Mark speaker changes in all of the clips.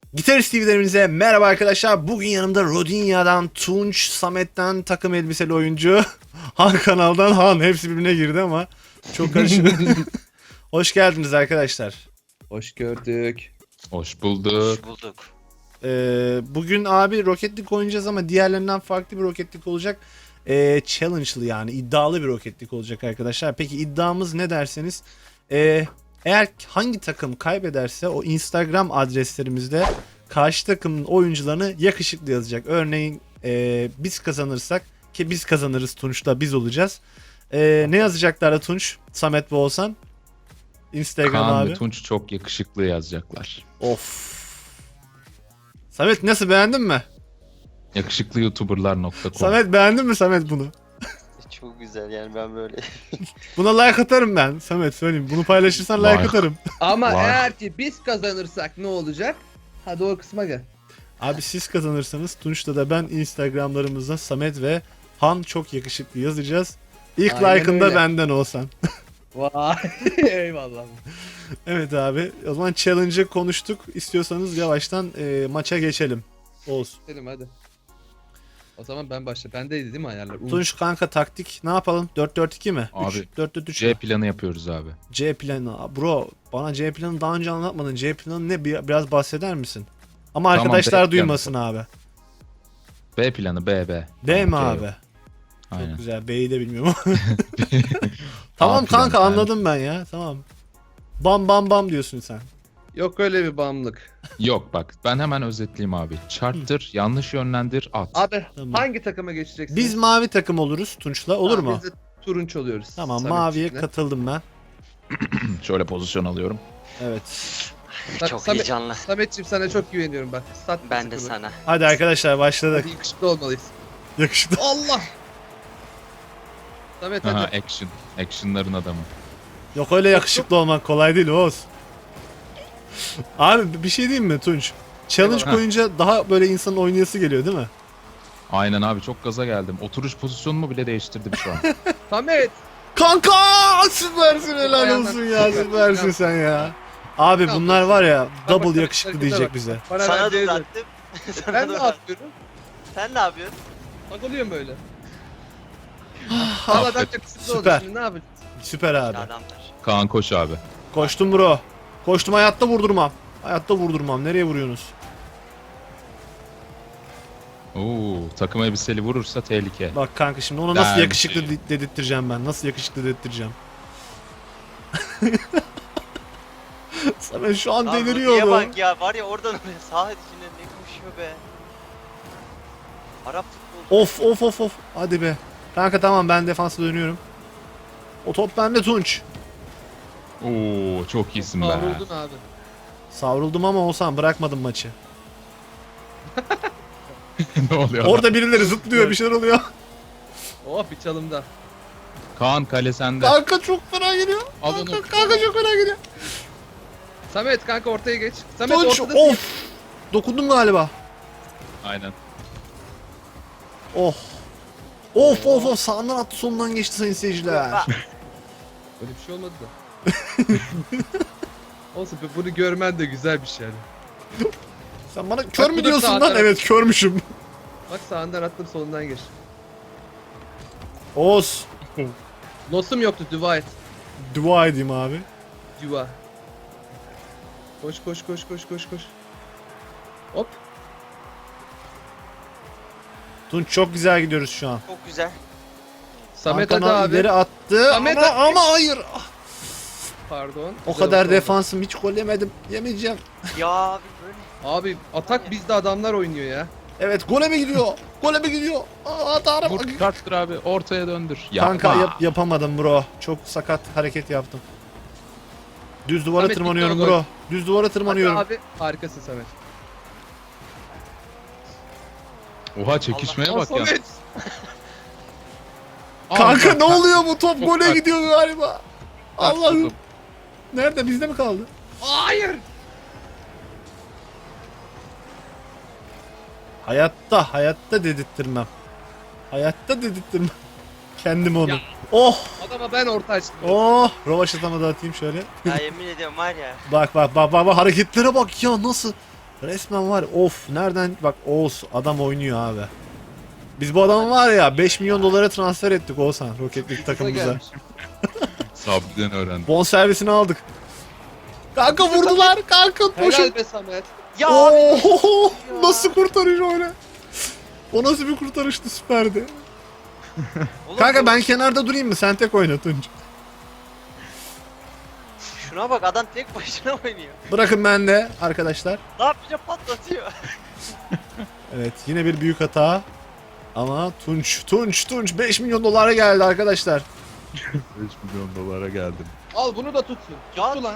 Speaker 1: Gitarist TV'lerimize merhaba arkadaşlar. Bugün yanımda Rodinya'dan Tunç, Samet'ten takım elbiseli oyuncu, Han kanaldan Han. Hepsi birbirine girdi ama çok karışık. Hoş geldiniz arkadaşlar.
Speaker 2: Hoş gördük.
Speaker 3: Hoş bulduk.
Speaker 4: Hoş bulduk.
Speaker 1: Bugün abi Rocket League oynayacağız ama diğerlerinden farklı bir Rocket League olacak. Challenge'lı yani iddialı bir Rocket League olacak arkadaşlar. Peki iddiamız ne derseniz... eğer hangi takım kaybederse o Instagram adreslerimizde karşı takımın oyuncularını yakışıklı yazacak. Örneğin biz kazanırsak ki biz kazanırız Tunç'la biz olacağız. Ne yazacaklar Tunç, Samet ve Oğuzhan? Instagram
Speaker 3: Kaan
Speaker 1: abi.
Speaker 3: ve Tunç çok yakışıklı yazacaklar.
Speaker 1: Of. Samet nasıl beğendin mi?
Speaker 3: Yakışıklıyoutuberlar.com.
Speaker 1: Samet beğendin mi Samet bunu?
Speaker 4: Çok güzel yani ben böyle.
Speaker 1: Buna like atarım ben Samet söyleyeyim. Bunu paylaşırsan like
Speaker 3: Like.
Speaker 1: atarım.
Speaker 2: Ama
Speaker 3: Var.
Speaker 2: eğer ki biz kazanırsak ne olacak? Hadi o kısma gel.
Speaker 1: Abi siz kazanırsanız Tunç'ta da ben Instagramlarımızda Samet ve Han çok yakışıklı yazacağız. İlk
Speaker 2: Aynen
Speaker 1: like'ında
Speaker 2: öyle.
Speaker 1: benden olsan.
Speaker 2: Vay eyvallah.
Speaker 1: Evet abi o zaman challenge'ı konuştuk. İstiyorsanız yavaştan maça geçelim. Olsun.
Speaker 2: Gidelim hadi. O zaman ben başla. Bendeydi değil mi ayarlar?
Speaker 1: Tunç kanka taktik ne yapalım? 4-4-2 mi?
Speaker 3: Abi,
Speaker 1: 4-4-3
Speaker 3: C
Speaker 1: mü?
Speaker 3: planı yapıyoruz abi.
Speaker 1: C planı. Bro bana C planı daha önce anlatmadın. C planı ne? Biraz bahseder misin? Ama
Speaker 3: Tamam,
Speaker 1: arkadaşlar
Speaker 3: B planı.
Speaker 1: duymasın abi.
Speaker 3: B planı B.
Speaker 1: B mi
Speaker 3: Tamam, C
Speaker 1: abi?
Speaker 3: yok.
Speaker 1: Çok
Speaker 3: Aynen.
Speaker 1: güzel. B'yi de bilmiyorum. Tamam
Speaker 3: A planı,
Speaker 1: kanka
Speaker 3: aynen.
Speaker 1: anladım ben ya. Tamam. Bam bam bam diyorsun sen.
Speaker 2: Yok öyle bir bağımlılık.
Speaker 3: Yok bak ben hemen özetleyeyim abi. Çarptır, yanlış yönlendir, at.
Speaker 2: Abi
Speaker 1: Tamam.
Speaker 2: hangi takıma geçeceksin?
Speaker 1: Biz mavi takım oluruz Tunç'la. Olur mu?
Speaker 2: Biz de turunç oluyoruz.
Speaker 1: Tamam
Speaker 2: Samet'ciğimle.
Speaker 1: maviye katıldım ben.
Speaker 3: Şöyle pozisyon alıyorum.
Speaker 1: Evet.
Speaker 4: Çok
Speaker 2: Samet-
Speaker 4: heyecanlı.
Speaker 2: Samet'ciğim sana çok güveniyorum bak. Sat
Speaker 4: Ben de
Speaker 2: bizi
Speaker 4: sana.
Speaker 1: Hadi arkadaşlar başladık.
Speaker 2: Hadi yakışıklı olmalıyız.
Speaker 1: Yakıştı.
Speaker 2: Allah! Samet
Speaker 3: Aha,
Speaker 2: hadi.
Speaker 3: action. Action'ların adamı.
Speaker 1: Yok öyle yakışıklı olmak kolay değil Oğuz. Abi bir şey diyeyim mi Tunç? Challenge
Speaker 2: Eyvallah.
Speaker 1: koyunca daha böyle insanın oynayası geliyor değil mi?
Speaker 3: Aynen abi çok gaza geldim. Oturuş pozisyonumu bile değiştirdim şu an.
Speaker 2: Samet!
Speaker 1: Kanka süpersin helal
Speaker 2: Ayağından
Speaker 1: olsun ya
Speaker 2: süper.
Speaker 1: süpersin sen ya. Abi
Speaker 2: Tamam.
Speaker 1: bunlar var ya
Speaker 2: Bak,
Speaker 1: double
Speaker 2: bak,
Speaker 1: yakışıklı
Speaker 2: harekete
Speaker 1: diyecek
Speaker 2: bak.
Speaker 1: bize.
Speaker 2: Bana
Speaker 4: Sana
Speaker 2: verdiği
Speaker 4: da
Speaker 2: de-
Speaker 4: attım.
Speaker 2: Ben ne yapıyorum?
Speaker 4: Sen ne yapıyorsun?
Speaker 2: Takılıyorum böyle.
Speaker 1: Ah,
Speaker 2: Havadan
Speaker 3: Affet.
Speaker 2: yakışıklı
Speaker 1: Süper.
Speaker 2: oldu şimdi ne yapacağız?
Speaker 1: Süper abi.
Speaker 4: Adamlar.
Speaker 3: Kaan koş abi.
Speaker 1: Koştum bro. Koştum hayatta vurdurmam. Hayatta vurdurmam. Nereye vuruyorsunuz?
Speaker 3: Oo, takım elbiseli vurursa tehlike.
Speaker 1: Bak kanka şimdi ona nasıl
Speaker 3: Ben
Speaker 1: yakışıklı
Speaker 3: şey-
Speaker 1: dedirttireceğim ben. Nasıl yakışıklı dedirttireceğim. Samet şu an
Speaker 4: Lan
Speaker 1: deliriyor
Speaker 4: Rukiye
Speaker 1: oğlum.
Speaker 4: bak ya var ya oradan oraya saha içinde ne koşuyor be. Arap futbolu.
Speaker 1: Of of of of. Hadi be. Kanka tamam ben defansa dönüyorum. O top bende Tunç.
Speaker 3: Oo, çok iyisin be.
Speaker 2: Kavruldun abi.
Speaker 1: Savruldum ama olsam bırakmadım maçı.
Speaker 3: Ne oluyor?
Speaker 1: Orada birileri zıplıyor bir şeyler oluyor.
Speaker 2: Oh bir çalımda.
Speaker 3: Kaan kale sende.
Speaker 1: Kanka çok fena geliyor.
Speaker 3: Al
Speaker 1: Kanka,
Speaker 3: onu.
Speaker 1: kanka çok fena geliyor.
Speaker 2: Samet kanka ortaya geç. Samet
Speaker 1: Tunç
Speaker 2: ortada.
Speaker 1: of. Dokundum galiba.
Speaker 3: Aynen.
Speaker 1: Oh. Of of of sağından attı solundan geçti sayın seyirciler.
Speaker 2: Öyle bir şey olmadı da. Olsun be, bunu görmen de güzel bir şey yani.
Speaker 1: Sen bana kör
Speaker 2: Bak, bu
Speaker 1: mü
Speaker 2: da
Speaker 1: diyorsun
Speaker 2: sağ
Speaker 1: lan?
Speaker 2: taraf.
Speaker 1: Evet körmüşüm.
Speaker 2: Bak sağından attım solundan geç.
Speaker 1: Oğuz.
Speaker 2: Losum yoktu dua et.
Speaker 1: Dua edeyim abi.
Speaker 2: Dua. Koş koş koş koş koş koş. Hop.
Speaker 1: Tunç çok güzel gidiyoruz şu an.
Speaker 4: Çok güzel.
Speaker 2: Samet hadi
Speaker 1: Hakan
Speaker 2: abi.
Speaker 1: ileri attı
Speaker 2: Samet
Speaker 1: ama,
Speaker 2: hadi.
Speaker 1: ama hayır.
Speaker 2: Pardon.
Speaker 1: O
Speaker 2: Güzel
Speaker 1: kadar
Speaker 2: oldu.
Speaker 1: defansım hiç gol yemedim. Yemeyeceğim.
Speaker 4: Ya abi böyle.
Speaker 2: Abi atak bizde adamlar oynuyor ya.
Speaker 1: Evet gole mi gidiyor? Gole mi gidiyor? Aa Tanrım.
Speaker 3: Vur çıkarttır abi ortaya döndür. Yapma.
Speaker 1: Kanka yapamadım bro. Çok sakat hareket yaptım. Düz duvara
Speaker 2: Samet,
Speaker 1: tırmanıyorum
Speaker 2: gitti o
Speaker 1: bro. Düz duvara
Speaker 2: Hadi
Speaker 1: tırmanıyorum.
Speaker 2: abi harikasın Samet.
Speaker 3: Oha çekişmeye
Speaker 2: Aa,
Speaker 3: bak ya.
Speaker 2: Samet.
Speaker 1: Kanka
Speaker 3: Allah,
Speaker 1: ne oluyor bu top
Speaker 3: Çok
Speaker 1: gole
Speaker 3: sert.
Speaker 1: gidiyor galiba. Allah'ım.
Speaker 3: Allah'ım.
Speaker 1: Nerede bizde mi kaldı?
Speaker 2: Hayır.
Speaker 1: Hayatta dedirttirmem. Hayatta dedirttirmem. Kendim onu.
Speaker 2: Ya.
Speaker 1: Oh!
Speaker 2: Adama ben orta açtım.
Speaker 1: Oh! Rovaşatama da atayım şöyle.
Speaker 4: Ya yemin ediyorum var ya.
Speaker 1: Bak hareketlere bak ya nasıl Resmen var. Of nereden bak Oğuz adam oynuyor abi. Biz bu adamı var ya 5 milyon dolara transfer ettik Oğuzhan Rocket League takımımıza.
Speaker 2: gelmiş.
Speaker 3: Sabri'den öğrendim.
Speaker 1: Bon servisini aldık. Kanka vurdular kanka koşun.
Speaker 2: Helal be Samet.
Speaker 4: Ya abi.
Speaker 1: Oo, nasıl kurtarış öyle? O nasıl bir kurtarıştı süperdi.
Speaker 4: Oğlum,
Speaker 1: Kanka
Speaker 4: bu-
Speaker 1: ben kenarda durayım mı? Sen tek oyna Tunç.
Speaker 4: Şuna bak adam tek başına oynuyor.
Speaker 1: Bırakın ben de arkadaşlar.
Speaker 4: Ne yapınca patlatıyor.
Speaker 1: Evet yine bir büyük hata. Ama Tunç 5 milyon dolara geldi arkadaşlar.
Speaker 3: 5 milyon dolara geldim.
Speaker 2: Al bunu da tutsun.
Speaker 4: Ya-
Speaker 2: Tuttu lan.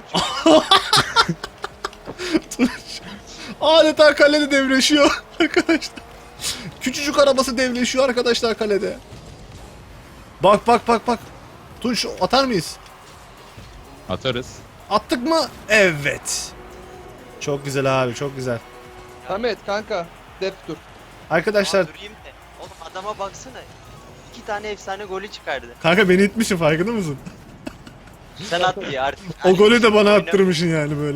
Speaker 1: Adeta kalede devleşiyor arkadaşlar. Küçücük arabası devleşiyor arkadaşlar kalede. Bak bak bak bak. Tunç atar mıyız?
Speaker 3: Atarız.
Speaker 1: Attık mı? Evet. Çok güzel abi çok güzel.
Speaker 2: Samet kanka. Dep dur.
Speaker 1: Arkadaşlar
Speaker 4: Aa, durayım de. Oğlum adama baksana. 2 tane efsane golü çıkardı.
Speaker 1: kanka beni itmişsin farkında mısın?
Speaker 4: Sen at diye artık.
Speaker 1: O golü de bana
Speaker 4: Oyna-
Speaker 1: attırmışsın yani böyle.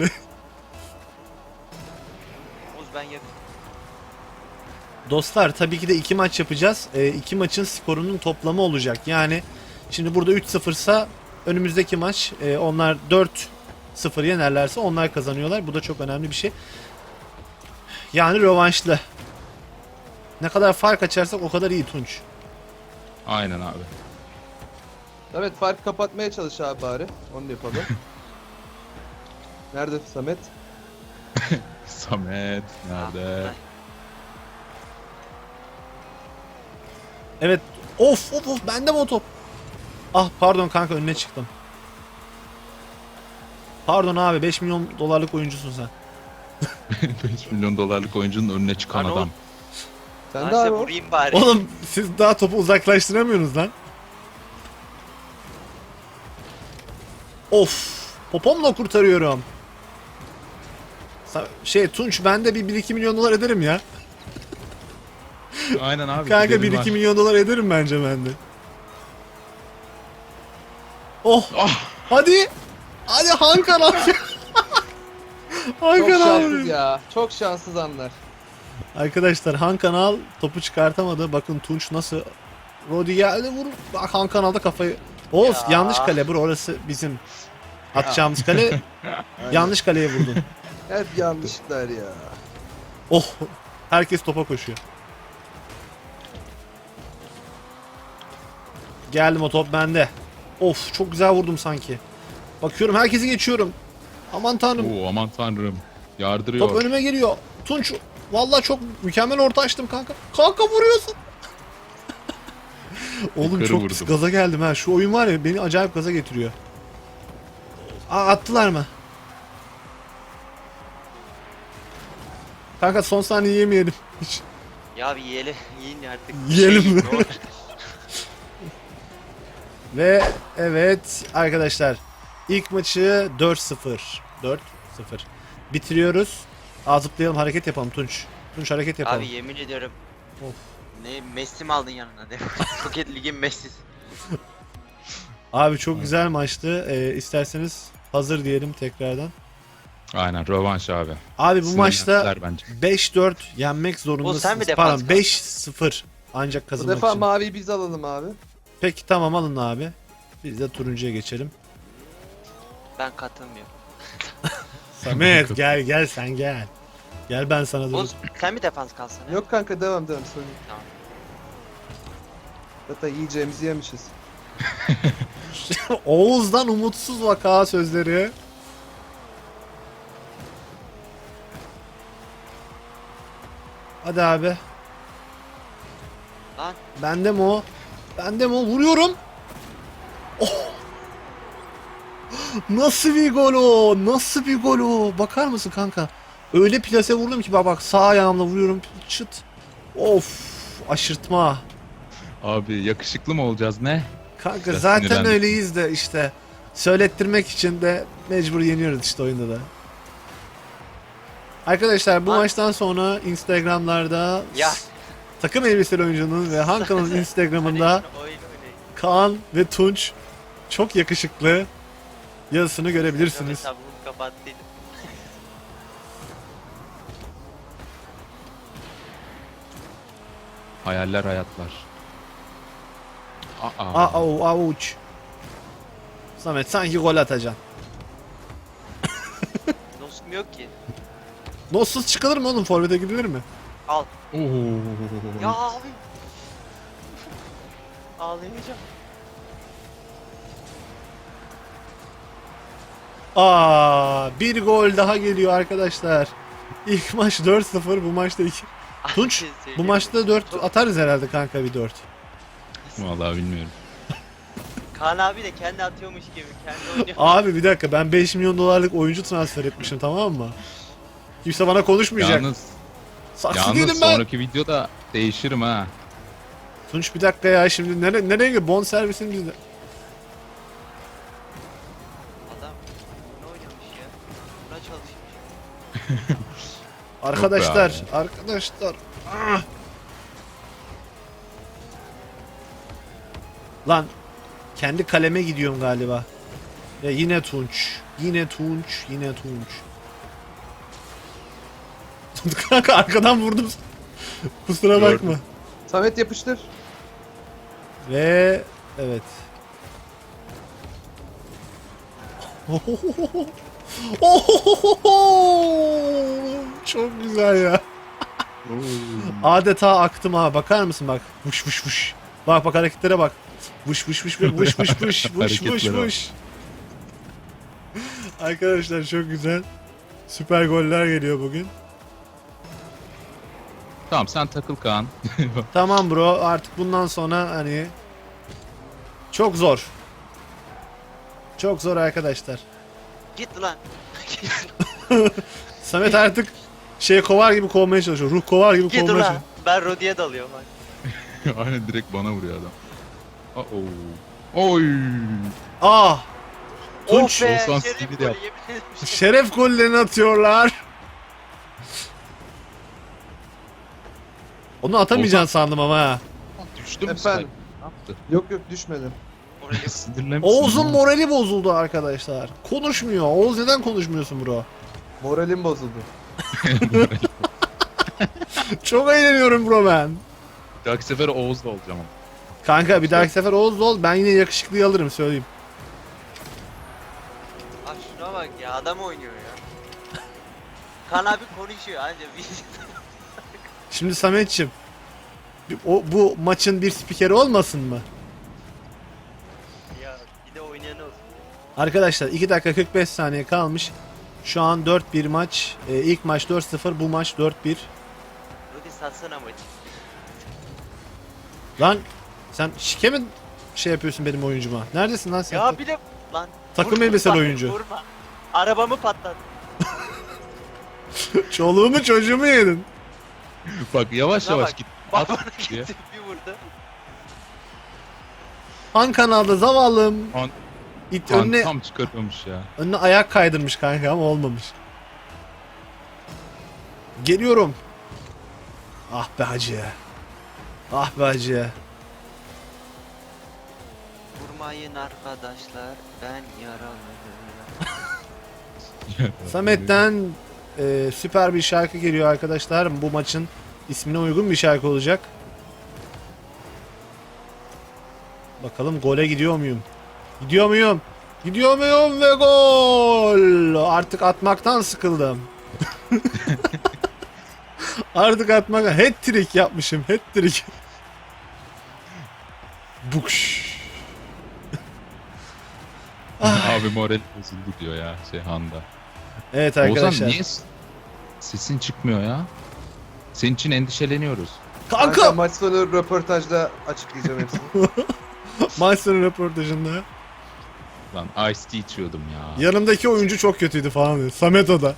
Speaker 4: Oğuz ben yakın.
Speaker 1: Dostlar tabii ki de 2 maç yapacağız. 2 maçın skorunun toplamı olacak. Yani şimdi burada 3-0 ise önümüzdeki maç onlar 4-0 yenerlerse onlar kazanıyorlar. Bu da çok önemli bir şey. Yani rövanşlı. Ne kadar fark açarsak o kadar iyi Tunç.
Speaker 3: Aynen abi.
Speaker 2: Samet farkı kapatmaya çalış abi bari. Onu da yapalım. Nerede Samet?
Speaker 3: Samet nerede?
Speaker 1: Evet. Of of of bende mi o top? Ah pardon kanka önüne çıktım. Pardon abi 5 milyon dolarlık oyuncusun sen.
Speaker 3: 5 milyon dolarlık oyuncunun önüne çıkan
Speaker 4: Lan
Speaker 3: adam.
Speaker 4: oğlum.
Speaker 2: Sen
Speaker 4: Ben
Speaker 2: de
Speaker 4: size
Speaker 2: abi o.
Speaker 4: vurayım bari.
Speaker 1: Oğlum siz daha topu uzaklaştıramıyorsunuz lan. Of. Popomla kurtarıyorum. Tunç ben de bir 1-2 milyon dolar ederim ya.
Speaker 3: Aynen abi.
Speaker 1: Kanka
Speaker 3: gidelim
Speaker 1: 1-2
Speaker 3: var.
Speaker 1: milyon dolar ederim bence ben de. Oh.
Speaker 3: Ah!
Speaker 1: Hadi. Hadi Hakan abi.
Speaker 2: Çok
Speaker 1: Hakan
Speaker 2: şanssız
Speaker 1: abi.
Speaker 2: ya. Çok şanssız anlar.
Speaker 1: Arkadaşlar Han Kanal topu çıkartamadı. Bakın Tunç nasıl Rodi geldi vur. Bak Han Kanal'da kafayı. Oğuz
Speaker 4: Ya.
Speaker 1: yanlış kale bur orası bizim atacağımız kale. Yanlış kaleye vurdun.
Speaker 2: Hep yanlışlar ya.
Speaker 1: Oh. Herkes topa koşuyor. Geldim o top bende. Of çok güzel vurdum sanki. Bakıyorum herkesi geçiyorum. Aman tanrım.
Speaker 3: Oo, aman tanrım. Yardırıyor.
Speaker 1: Top önüme geliyor. Tunç vallahi çok mükemmel orta açtım kanka. Kanka vuruyorsun. Oğlum
Speaker 3: Yukarı
Speaker 1: çok
Speaker 3: vurdum.
Speaker 1: gaza geldim ha. Şu oyun var ya beni acayip gaza getiriyor. Aa attılar mı? Kanka son saniye yemeyelim. Hiç.
Speaker 4: Ya bir yiyin artık.
Speaker 1: Yiyelim mi?
Speaker 4: Doğru.
Speaker 1: Ve evet arkadaşlar ilk maçı 4-0. 4-0. Bitiriyoruz. Aa zıplayalım hareket yapalım Tunç. Tunç hareket yapalım.
Speaker 4: Abi yemin ediyorum.
Speaker 1: Of.
Speaker 4: Ne Messi mi aldın yanına de. Rocket Lig'in Messi'si.
Speaker 1: Abi çok güzel maçtı. İsterseniz hazır diyelim tekrardan.
Speaker 3: Aynen rövanş abi.
Speaker 1: Abi bu maçta
Speaker 3: Sinirlendiler bence.
Speaker 1: 5-4 yenmek
Speaker 4: sen
Speaker 1: zorundasınız.
Speaker 4: mi defans
Speaker 1: Pardon 5-0 ancak
Speaker 2: Bu
Speaker 1: kazanmak
Speaker 2: defa
Speaker 1: için.
Speaker 2: maviyi biz alalım abi.
Speaker 1: Peki tamam alın abi. Biz de turuncuya geçelim.
Speaker 4: Ben katılmıyorum.
Speaker 1: Samet gel sen gel. Gel ben sana dur.
Speaker 4: Oğuz sen mi defans kalsana?
Speaker 2: Yok kanka devam sorun.
Speaker 4: Tamam.
Speaker 2: Zaten yiyeceğimizi yemişiz.
Speaker 1: Oğuz'dan umutsuz vaka sözleri. Hadi abi.
Speaker 4: Lan.
Speaker 1: Bende mi o? Bende mi o? Vuruyorum. Oh. Nasıl bir gol o? Nasıl bir gol o? Bakar mısın kanka? Öyle plase vurdum ki bak sağ ayağımla vuruyorum. Çıt. Of. Aşırtma.
Speaker 3: Abi yakışıklı mı olacağız ne?
Speaker 1: Kanka
Speaker 3: Biraz
Speaker 1: zaten
Speaker 3: sinirlendim.
Speaker 1: öyleyiz de işte. Söylettirmek için de mecbur yeniyoruz işte oyunda da. Arkadaşlar bu
Speaker 4: Lan.
Speaker 1: maçtan sonra Instagram'larda
Speaker 4: Ya.
Speaker 1: takım elbiseli oyuncunun ve Hankan'ın Instagram'ında
Speaker 4: Oyun oynayın.
Speaker 1: Kaan ve Tunç çok yakışıklı yazısını görebilirsiniz.
Speaker 4: Hesabımı kapattıydım.
Speaker 3: Hayaller hayatlar.
Speaker 1: Avuç. Samet sanki gol atacaksın.
Speaker 4: Dostum yok ki.
Speaker 1: Notsuz çıkılır mı oğlum? Forvet'e gidilir mi?
Speaker 4: Al.
Speaker 3: Oo.
Speaker 4: Ya abi. Ağlayamayacağım.
Speaker 1: Bir gol daha geliyor arkadaşlar. İlk maç 4-0, bu maçta 2. Tunç, bu maçta 4 atarız herhalde kanka, bir 4.
Speaker 3: Vallahi bilmiyorum.
Speaker 4: Kaan abi de kendi atıyormuş gibi. Kendi oynuyor.
Speaker 1: Abi bir dakika, ben 5 milyon dolarlık oyuncu transfer etmişim, tamam mı? Kimse bana konuşmayacak. Saksı değilim
Speaker 3: Yalnız
Speaker 1: ben.
Speaker 3: sonraki videoda değişirim ha.
Speaker 1: Tunç bir dakika ya, şimdi nereye gidiyor? Bon servisin bizde.
Speaker 4: Adam ne oynamış ya? Buna çalışmış.
Speaker 1: Arkadaşlar,
Speaker 3: Yok
Speaker 1: arkadaşlar. Ah! Lan kendi kaleme gidiyorum galiba. Ya yine Tunç. Yine Tunç. Yine Tunç. Kanka arkadan vurdum. Kusura
Speaker 3: Gördüm.
Speaker 1: bakma.
Speaker 2: Samet yapıştır.
Speaker 1: Ve evet. Çok güzel ya. Adeta aktım ha. Bakar mısın bak. Vuş vuş vuş. Bak bak hareketlere bak. Vuş vuş vuş vuş vuş vuş vuş vuş vuş
Speaker 3: Hareketlere bak.
Speaker 1: vuş. Arkadaşlar çok güzel. Süper goller geliyor bugün.
Speaker 3: Tamam sen takıl Kaan.
Speaker 1: Tamam bro, artık bundan sonra hani çok zor. Çok zor arkadaşlar.
Speaker 4: Git lan.
Speaker 1: Samet artık şey kovar gibi kovmaya çalışıyor. Ruh kovar gibi
Speaker 4: Git
Speaker 1: kovmaya
Speaker 4: lan.
Speaker 1: çalışıyor.
Speaker 4: Ben Rodi'ye dalıyorum. Hadi.
Speaker 3: Aynen direkt bana vuruyor adam. Oy.
Speaker 1: Ah! Tunç.
Speaker 4: Oh be.
Speaker 3: Oğuzhan
Speaker 4: Şerif
Speaker 3: Stevie de
Speaker 4: golü,
Speaker 3: yaptı.
Speaker 4: yemin ederim.
Speaker 1: Şeref gollerini atıyorlar. Onu atamayacaksın sandım ama ha.
Speaker 3: Düştü mü
Speaker 2: Efendim?
Speaker 3: Ne yaptı?
Speaker 2: Yok yok düşmedim.
Speaker 4: Oraya
Speaker 3: Sinirlenmişsin.
Speaker 1: Oğuz'un morali bozuldu arkadaşlar. Konuşmuyor. Oğuz neden konuşmuyorsun bro?
Speaker 2: Moralim bozuldu.
Speaker 1: Çok eğleniyorum bro ben.
Speaker 3: Bir dahaki sefer Oğuz'da olacağım ama.
Speaker 1: Kanka bir dahaki sefer Oğuz ol, ben yine yakışıklıyı alırım söyleyeyim.
Speaker 4: Bak şuna bak ya, adam oynuyor ya. Kaan abi konuşuyor anca bir
Speaker 1: Şimdi Sametçim, bu maçın bir spikeri olmasın mı?
Speaker 4: ya bir de oynayan olsun.
Speaker 1: Arkadaşlar 2 dakika 45 saniye kalmış. Şu an 4-1 maç. İlk maç 4-0, bu maç 4-1.
Speaker 4: Rodi satsana maçı.
Speaker 1: Lan sen şike mi şey yapıyorsun benim oyuncuma? Neredesin lan sen?
Speaker 4: Ya bir de lan.
Speaker 1: Takım
Speaker 4: vurma,
Speaker 1: elbiseli
Speaker 4: bak,
Speaker 1: oyuncu.
Speaker 4: Vurma. Arabamı patlat.
Speaker 1: Çoluğumu çocuğumu yedin.
Speaker 3: Bak yavaş
Speaker 4: Şuna
Speaker 3: yavaş
Speaker 4: bak.
Speaker 3: git.
Speaker 4: Bak
Speaker 3: At
Speaker 4: bana
Speaker 3: diye.
Speaker 4: gitti bir vurdu.
Speaker 1: Han kanalda zavallım.
Speaker 3: Han-
Speaker 1: İt
Speaker 3: Kaan
Speaker 1: önüne,
Speaker 3: tam çıkartmamış ya.
Speaker 1: önüne ayak kaydırmış kanka ama olmamış. Geliyorum. Ah be hacı. Ah be hacı.
Speaker 4: Vurmayın arkadaşlar, ben yaralıyım.
Speaker 1: Samet'ten süper bir şarkı geliyor arkadaşlar. Bu maçın ismine uygun bir şarkı olacak. Bakalım gole gidiyor muyum? Gidiyor muyum? Gidiyor muyum ve gol! Artık atmaktan sıkıldım. Artık atmaktan hat-trick yapmışım. Hat-trick. Bukş.
Speaker 3: Abi moral bozuldu diyor ya Handa.
Speaker 1: Evet
Speaker 3: Oğuzhan
Speaker 1: arkadaşlar.
Speaker 3: niye sesin çıkmıyor ya? Senin için endişeleniyoruz.
Speaker 1: Kanka!
Speaker 2: Maç sonu röportajda açıklayacağım hepsini.
Speaker 1: Maç sonu röportajında.
Speaker 3: Lan Ice Tea içiyordum ya.
Speaker 1: Yanımdaki oyuncu çok kötüydü falan diyor. Samet o da.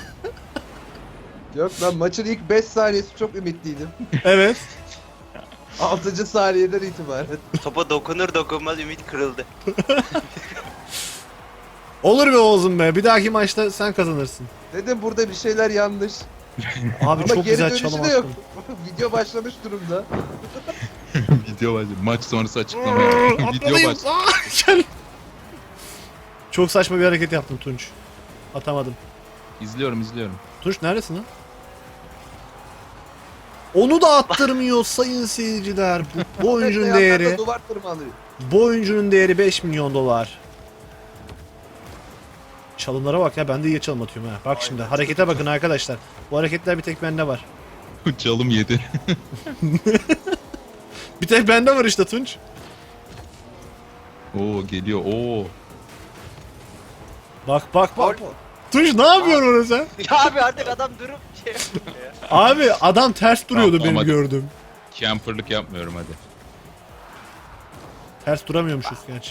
Speaker 2: Yok ben maçın ilk 5 saniyesi çok ümitliydim.
Speaker 1: Evet.
Speaker 2: 6. saniyeden itibaren.
Speaker 4: Topa dokunur dokunmaz ümit kırıldı.
Speaker 1: Olur be Oğuz'um be. Bir dahaki maçta sen kazanırsın.
Speaker 2: Dedim burada bir şeyler yanlış.
Speaker 1: Abi
Speaker 2: Ama
Speaker 1: çok
Speaker 2: geri
Speaker 1: güzel
Speaker 2: dönüşü
Speaker 1: çalım
Speaker 2: de yok.
Speaker 1: attın.
Speaker 2: Video başlamış durumda.
Speaker 3: Video başladı. Maç sonrası açıklama yaptım. Video
Speaker 1: Atmalıyım.
Speaker 3: başladı.
Speaker 1: Gel. Çok saçma bir hareket yaptım Tunç. Atamadım.
Speaker 3: İzliyorum.
Speaker 1: Tunç neredesin lan? Onu da attırmıyor sayın seyirciler. Bu oyuncunun
Speaker 2: Yanlarda
Speaker 1: değeri,
Speaker 2: Duvar tırmanıyor.
Speaker 1: bu oyuncunun değeri 5 milyon dolar. Çalımlara bak ya, ben de iyi çalım atıyorum ha. Bak şimdi harekete bakın arkadaşlar. Bu hareketler bir tek bende var.
Speaker 3: Çalım yedi.
Speaker 1: Bir tek bende var işte Tunç.
Speaker 3: Oo geliyor. Oo.
Speaker 1: Bak bak bak.
Speaker 4: Gol.
Speaker 1: Tunç ne yapıyorsun orada sen?
Speaker 4: Ya abi artık adam durup şey yapıyor ya.
Speaker 1: Abi adam ters duruyordu
Speaker 3: Tamam,
Speaker 1: benim
Speaker 3: hadi.
Speaker 1: gördüğüm.
Speaker 3: Camperlık yapmıyorum hadi.
Speaker 1: Ters duramıyormuşuz gerçi.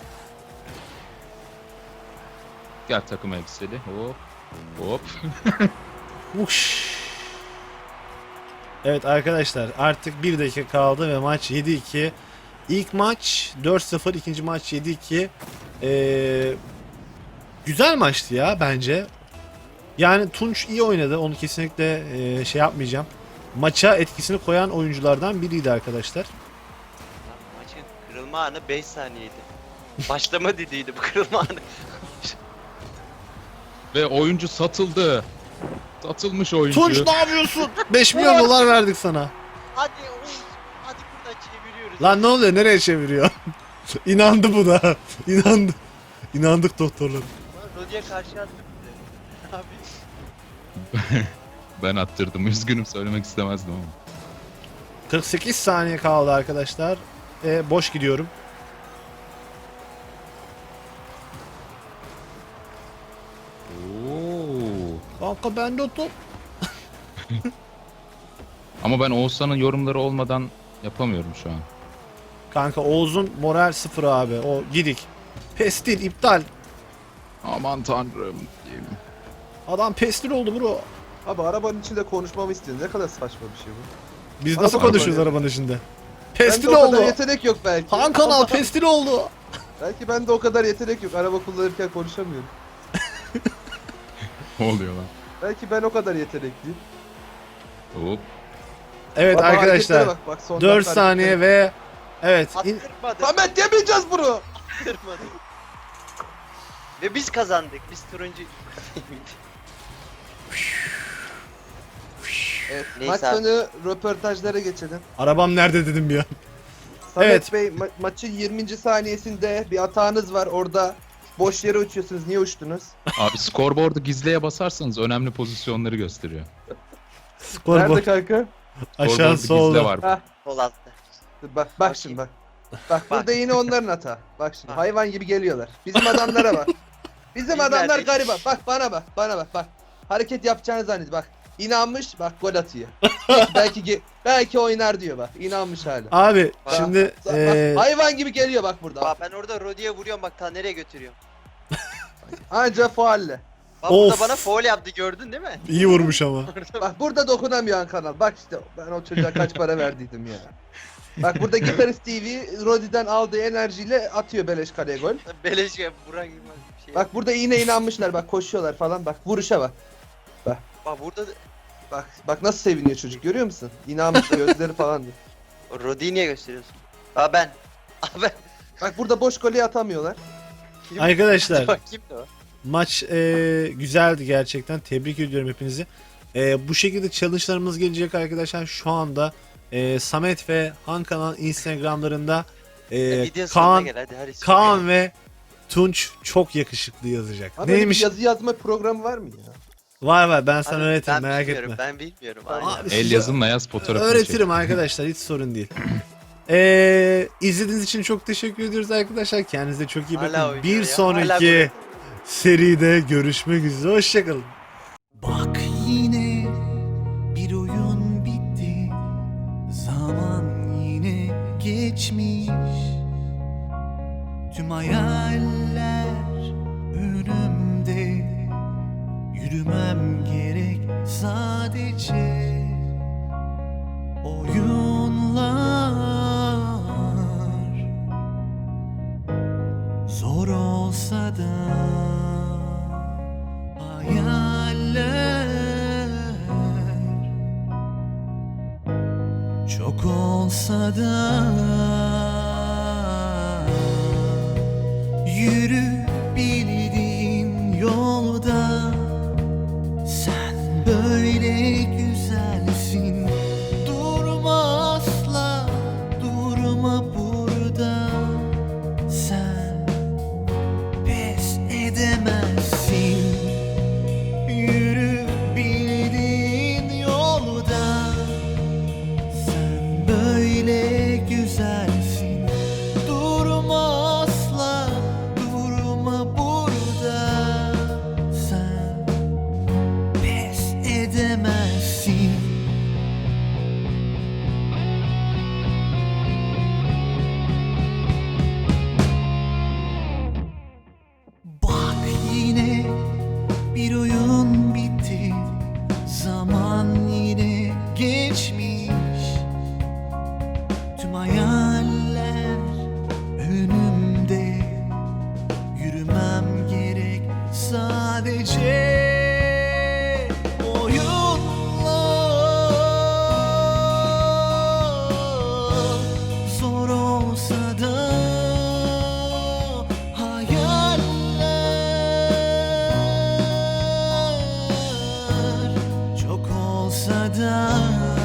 Speaker 3: Gel takım elbiseli. Hop. Hop.
Speaker 1: Uş. Evet arkadaşlar artık 1 dakika kaldı ve maç 7-2. İlk maç 4-0, ikinci maç 7-2. Güzel maçtı ya bence. Yani Tunç iyi oynadı. Onu kesinlikle şey yapmayacağım. Maça etkisini koyan oyunculardan biriydi arkadaşlar.
Speaker 4: Lan maçın kırılma anı 5 saniyeydi. Başlama dediydi bu kırılma anı.
Speaker 3: Ve oyuncu satıldı. Satılmış oyuncu.
Speaker 1: Tunç ne yapıyorsun? 5 milyon dolar verdik sana.
Speaker 4: Hadi Oğuz. Hadi buradan çeviriyoruz.
Speaker 1: Lan ne oluyor? Nereye çeviriyor? İnandı bu da. İnandı. İnandık doktorlar.
Speaker 4: Lan Rodi'ye karşı attı bize. Abi.
Speaker 3: Ben attırdım. Üzgünüm, söylemek istemezdim ama.
Speaker 1: 48 saniye kaldı arkadaşlar. Boş gidiyorum.
Speaker 3: Oo.
Speaker 1: Kanka bende o top.
Speaker 3: Ama ben Oğuzhan'ın yorumları olmadan yapamıyorum şu an.
Speaker 1: Kanka Oğuz'un moral sıfır abi. O gidik. Pestil iptal.
Speaker 3: Aman tanrım.
Speaker 1: Adam pestil oldu bro.
Speaker 2: Abi arabanın içinde konuşmamı istiyor. Ne kadar saçma bir şey bu.
Speaker 1: Biz nasıl
Speaker 2: Araba
Speaker 1: konuşuyoruz
Speaker 2: böyle.
Speaker 1: arabanın içinde?
Speaker 2: Bende
Speaker 1: Pestil
Speaker 2: o kadar
Speaker 1: oldu.
Speaker 2: yetenek yok belki.
Speaker 1: Han kanal pestil oldu.
Speaker 2: Belki bende o kadar yetenek yok. Araba kullanırken konuşamıyorum.
Speaker 3: Ne oluyor lan?
Speaker 2: Belki ben o kadar yetenekliyim.
Speaker 3: Hop.
Speaker 1: Evet
Speaker 2: Bak,
Speaker 1: arkadaşlar.
Speaker 2: hareketlere bak, son
Speaker 1: 4
Speaker 2: dakika
Speaker 1: saniye
Speaker 2: hareketleri.
Speaker 1: ve evet.
Speaker 4: Attırmadı.
Speaker 2: Samet yemeyeceğiz bunu.
Speaker 4: Attırmadı. Ve biz kazandık. Biz turuncu.
Speaker 2: Evet,
Speaker 4: Neyse
Speaker 2: maç
Speaker 4: abi.
Speaker 2: sonu röportajlara geçelim.
Speaker 1: Arabam nerede dedim ya.
Speaker 2: Samet
Speaker 1: Evet.
Speaker 2: Bey maçın 20. saniyesinde bir hatanız var orada. Boş yere uçuyorsunuz. Niye uçtunuz?
Speaker 3: Abi scoreboard'u gizliye basarsanız önemli pozisyonları gösteriyor.
Speaker 1: Scoreboard
Speaker 2: Nerede kanka?
Speaker 1: aşağı
Speaker 3: Scoreboard'u gizle
Speaker 1: solda.
Speaker 3: var.
Speaker 2: Hah,
Speaker 4: Sol altta.
Speaker 2: bak
Speaker 4: Bakayım.
Speaker 2: şimdi bak. Bak burada yine onların hata. Bak şimdi hayvan gibi geliyorlar. Bizim adamlara bak. Bizim
Speaker 4: Biz
Speaker 2: adamlar
Speaker 4: neredeyiz?
Speaker 2: gariban. Bak bana bak. Hareket yapacağını zannediyor bak. İnanmış bak gol atıyor. belki oynar diyor bak. İnanmış hala.
Speaker 1: Abi
Speaker 4: Bak,
Speaker 1: şimdi
Speaker 2: Bak, hayvan gibi geliyor bak burada.
Speaker 4: Bak ben orada Rodi'ye vuruyorum bak ta nereye götürüyorum.
Speaker 2: Anca faulle.
Speaker 4: Bak burada
Speaker 1: Of.
Speaker 4: bana foul yaptı gördün değil mi?
Speaker 1: iyi vurmuş ama.
Speaker 2: Bak burada dokunamıyor kanal. Bak işte ben o çocuğa kaç para verdiydim ya. Bak burada Gitarist TV Rodi'den aldığı enerjiyle atıyor beleş kaleye gol.
Speaker 4: Beleş ya Burak Yılmaz bir şey.
Speaker 2: Bak burada yine inanmışlar bak koşuyorlar falan bak vuruşa bak.
Speaker 4: Bak burada
Speaker 2: Bak nasıl seviniyor çocuk görüyor musun? İnanmış gözleri falan diyor.
Speaker 4: Rodi'yi niye gösteriyorsun? Aa ben. Aa ben.
Speaker 2: Bak burada boş golü atamıyorlar.
Speaker 4: Kim?
Speaker 1: Arkadaşlar
Speaker 4: Bak kimdi o?
Speaker 1: maç güzeldi gerçekten. Tebrik ediyorum hepinizi. Bu şekilde challenge'larımız gelecek arkadaşlar. Şu anda Samet ve Han kanal Instagram'larında
Speaker 4: Video sonuna
Speaker 1: Kaan,
Speaker 4: gel hadi.
Speaker 1: Kaan ve Tunç çok yakışıklı yazacak.
Speaker 2: Abi böyle bir
Speaker 1: Neymiş?
Speaker 2: yazı yazma programı var mı ya?
Speaker 1: Var ben sana
Speaker 4: Abi,
Speaker 1: öğretirim
Speaker 4: ben
Speaker 1: merak
Speaker 4: bilmiyorum,
Speaker 1: etme.
Speaker 4: Ben bilmiyorum.
Speaker 2: Tamam.
Speaker 4: Aynen.
Speaker 1: Abi,
Speaker 3: El
Speaker 1: size
Speaker 3: yazınla yaz fotoğrafını
Speaker 1: öğretirim
Speaker 3: çek.
Speaker 1: arkadaşlar hiç sorun değil. İzlediğiniz için çok teşekkür ediyoruz arkadaşlar. Kendinize çok iyi
Speaker 4: Hala
Speaker 1: bakın.
Speaker 4: oynuyor
Speaker 1: Bir
Speaker 4: ya, hala
Speaker 1: sonraki seride görüşmek üzere. Hoşçakalın.
Speaker 5: Bak yine bir oyun bitti. Zaman yine geçmiş. Tüm hayaller önümde. Yürümem gerek sadece. Oyunlar zor olsa da hayaller çok olsa da yürü bildiğin yolda sen böyle güzelsin olsa da